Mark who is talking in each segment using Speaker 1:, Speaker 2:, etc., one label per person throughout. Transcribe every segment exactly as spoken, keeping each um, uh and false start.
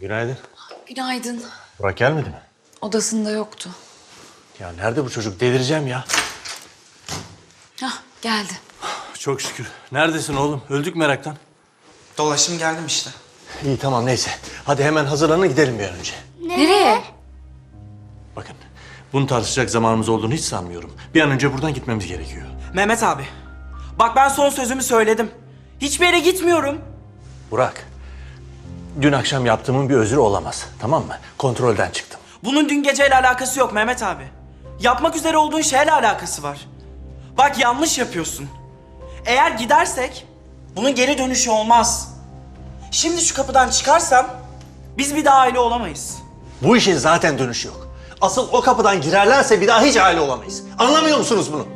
Speaker 1: Günaydın.
Speaker 2: Günaydın.
Speaker 1: Burak gelmedi mi?
Speaker 2: Odasında yoktu.
Speaker 1: Ya nerede bu çocuk? Delireceğim ya.
Speaker 2: Hah, geldi.
Speaker 1: Çok şükür. Neredesin oğlum? Öldük meraktan.
Speaker 3: Dolaştım geldim işte.
Speaker 1: İyi tamam neyse. Hadi hemen hazırlanın gidelim bir an önce.
Speaker 2: Nereye?
Speaker 1: Bakın bunu tartışacak zamanımız olduğunu hiç sanmıyorum. Bir an önce buradan gitmemiz gerekiyor.
Speaker 3: Mehmet abi. Bak ben son sözümü söyledim. Hiçbir yere gitmiyorum.
Speaker 1: Burak. Dün akşam yaptığımın bir özrü olamaz. Tamam mı? Kontrolden çıktım.
Speaker 3: Bunun dün geceyle alakası yok Mehmet abi. Yapmak üzere olduğun şeyle alakası var. Bak yanlış yapıyorsun. Eğer gidersek bunun geri dönüşü olmaz. Şimdi şu kapıdan çıkarsam biz bir daha aile olamayız.
Speaker 1: Bu işin zaten dönüşü yok. Asıl o kapıdan girerlerse bir daha hiç aile olamayız. Anlamıyor musunuz bunu?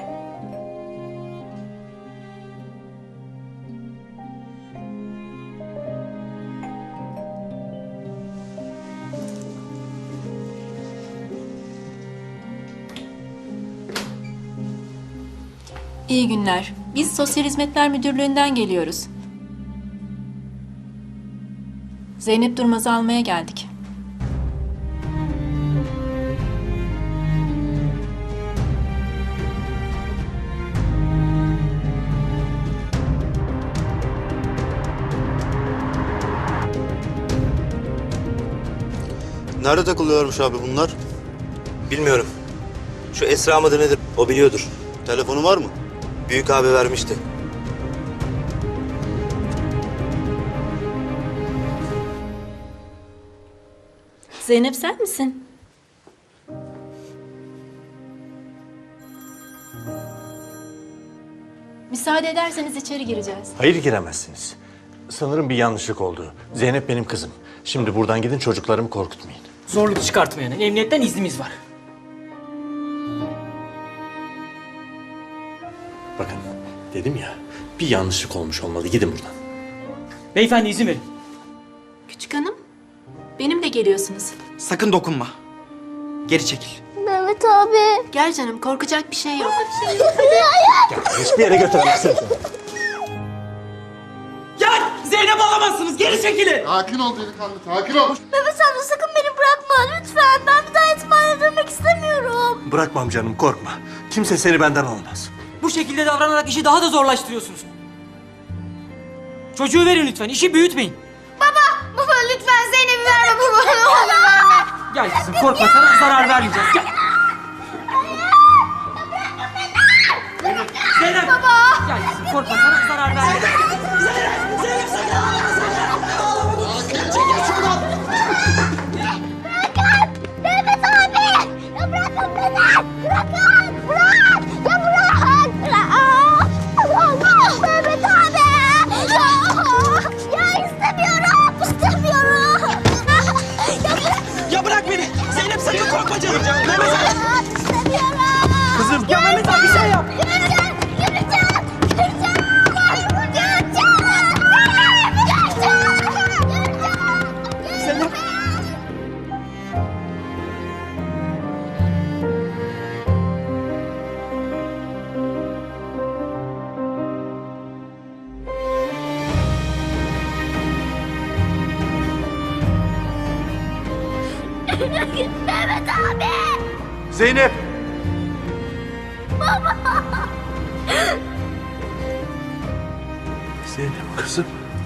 Speaker 4: İyi günler. Biz Sosyal Hizmetler Müdürlüğü'nden geliyoruz. Zeynep Durmaz'ı almaya geldik.
Speaker 5: Nerede takılıyormuş abi bunlar?
Speaker 6: Bilmiyorum. Şu Esra mıdır nedir? O biliyordur.
Speaker 5: Telefonu var mı?
Speaker 6: Büyük abi vermişti.
Speaker 4: Zeynep sen misin? Müsaade ederseniz içeri gireceğiz.
Speaker 1: Hayır giremezsiniz. Sanırım bir yanlışlık oldu. Zeynep benim kızım. Şimdi buradan gidin çocuklarımı korkutmayın.
Speaker 7: Zorluk çıkartmayana emniyetten iznimiz var.
Speaker 1: Bakın dedim ya bir yanlışlık olmuş olmalı. Gidin buradan.
Speaker 7: Beyefendi izin verin.
Speaker 4: Küçük hanım, benimle geliyorsunuz.
Speaker 3: Sakın dokunma. Geri çekil.
Speaker 8: Mehmet abi.
Speaker 4: Gel canım, korkacak bir şey yok.
Speaker 1: Ya, hiçbir yere götüremezsiniz.
Speaker 3: Ya Zeynep alamazsınız. Geri çekilin.
Speaker 5: Sakin ol delikanlı, sakin ol.
Speaker 8: Mehmet amca sakın beni bırakma lütfen. Ben bir daha yetimhaneye dönmek istemiyorum.
Speaker 1: Bırakmam canım korkma. Kimse seni benden almaz.
Speaker 7: Bu şekilde davranarak işi daha da zorlaştırıyorsunuz. Çocuğu verin lütfen, işi büyütmeyin.
Speaker 8: Baba, baba lütfen Zeynep'i verme baba. Ne olur verme.
Speaker 7: Gel kızım, korkma, sana zarar vermeyeceğiz. Gel. Zeynep! Baba! Gel kızım, korkma, sana zarar vermeyeceğiz.
Speaker 8: Mehmet abi. Ya bırakın beni. Bırakın. Bırak. Ya bırak. Bırak. Allah. Mehmet abi. Ya, ya istemiyorum. İstemiyorum. Ya bırak.
Speaker 3: Ya bırak beni. Zeynep sakın korkma canım. Mehmet abi.
Speaker 8: İstemiyorum.
Speaker 3: Kızım. Ya Mehmet abi bir şey yap.
Speaker 8: Yürüyeceğim. Yürüyeceğim. Yürüyeceğim. Yürüyeceğim. Yürüyeceğim.
Speaker 3: Zeynep.
Speaker 8: Mehmet abi.
Speaker 1: Zeynep! Zeynep kızım.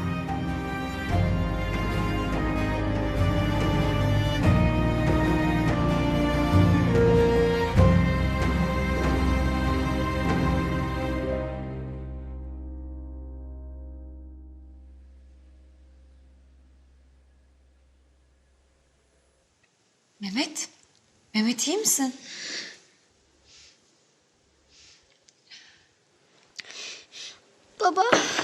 Speaker 2: Mehmet. Mehmet iyi misin?
Speaker 8: Baba.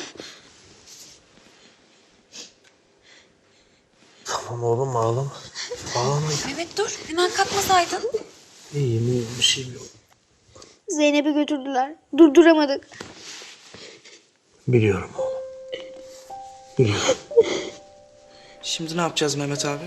Speaker 1: Tamam oğlum ağlama. Ağlama.
Speaker 2: Mehmet dur. Hemen kalkmasaydın.
Speaker 1: İyiyim iyiyim bir şeyim yok.
Speaker 8: Zeynep'i götürdüler. Durduramadık.
Speaker 1: Biliyorum oğlum. Biliyorum.
Speaker 3: Şimdi ne yapacağız Mehmet abi?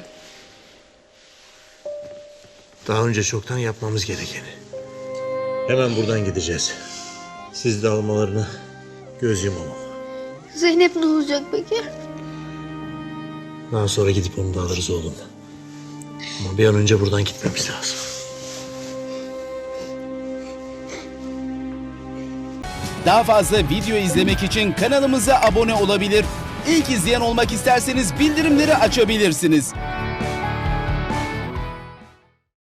Speaker 1: Daha önce çoktan yapmamız gerekeni. Hemen buradan gideceğiz. Siz de almalarına göz yumamam.
Speaker 8: Zeynep ne olacak peki?
Speaker 1: Daha sonra gidip onu da alırız oğlum. Ama bir an önce buradan gitmemiz lazım.
Speaker 9: Daha fazla video izlemek için kanalımıza abone olabilir. İlk izleyen olmak isterseniz bildirimleri açabilirsiniz.